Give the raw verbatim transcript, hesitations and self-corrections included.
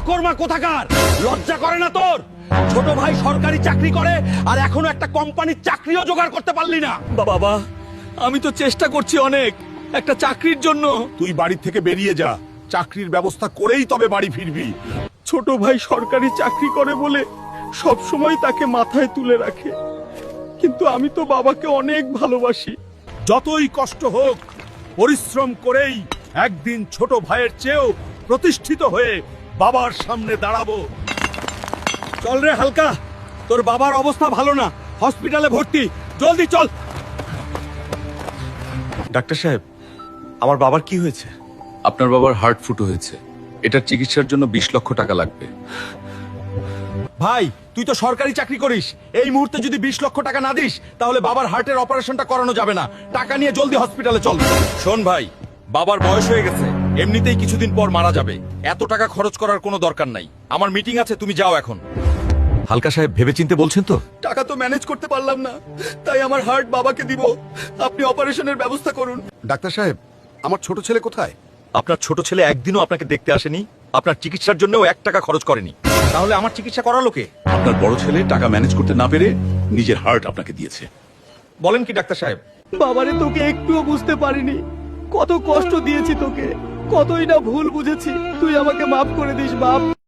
অকর্মা কোথাকার, লজ্জা করে না তোর? ছোট ভাই সরকারি চাকরি করে আর এখনো একটা কোম্পানির চাকরিও জোগাড় করতে পারলি না। বাবা, আমি তো চেষ্টা করছি অনেক একটা চাকরির জন্য। তুই বাড়ি থেকে বেরিয়ে যা, চাকরির ব্যবস্থা করেই তবে বাড়ি ফিরবি। ছোট ভাই সরকারি চাকরি করে বলে সব সময় তাকে মাথায় তুলে রাখে, কিন্তু আমি তো বাবাকে অনেক ভালোবাসি। যতই কষ্ট হোক, পরিশ্রম করেই একদিন ছোট ভাইয়ের চেয়েও প্রতিষ্ঠিত হয়ে বাবার সামনে দাঁড়াবো। চল রে হালকা, তোর বাবার অবস্থা ভালো না, হসপিটালে ভর্তি, জলদি চল। ডাক্তার সাহেব, আমার বাবার কি হয়েছে? আপনার বাবার হার্ট ফুটো হয়েছে। এটার চিকিৎসার জন্য বিশ লক্ষ টাকা লাগবে। ভাই, তুই তো সরকারি চাকরি করিস, এই মুহূর্তে যদি বিশ লক্ষ টাকা না দিস তাহলে বাবার হার্টের অপারেশনটা করানো যাবে না। টাকা নিয়ে জলদি হসপিটালে চল। শোন ভাই, বাবার বয়স হয়ে গেছে, এমনিতেই কিছুদিন পর মারা যাবে। এত টাকা খরচ করার কোনো দরকার নাই। আমার মিটিং আছে, তুমি যাও এখন। হালকা সাহেব, ভেবেচিন্তে বলছেন তো? টাকা তো ম্যানেজ করতে পারলাম না, তাই আমার হার্ট বাবাকে দিব। আপনি অপারেশনের ব্যবস্থা করুন। ডাক্তার সাহেব, আমার ছোট ছেলে কোথায়? আপনার ছোট ছেলে একদিনও আপনাকে দেখতে আসেনি, আপনার চিকিৎসার জন্যও এক টাকা খরচ করেনি। তাহলে আমার চিকিৎসা করালো কে? আপনার বড় ছেলে টাকা ম্যানেজ করতে না পেরে নিজের হার্ট আপনাকে দিয়েছে। বলেন কি ডাক্তার সাহেব? বাবারে তোকে একটুও বুঝতে পারিনি, কত কষ্ট দিয়েছি তোকে, কতই না ভুল বুঝেছি। তুই আমাকে মাফ করে দিস বাপ।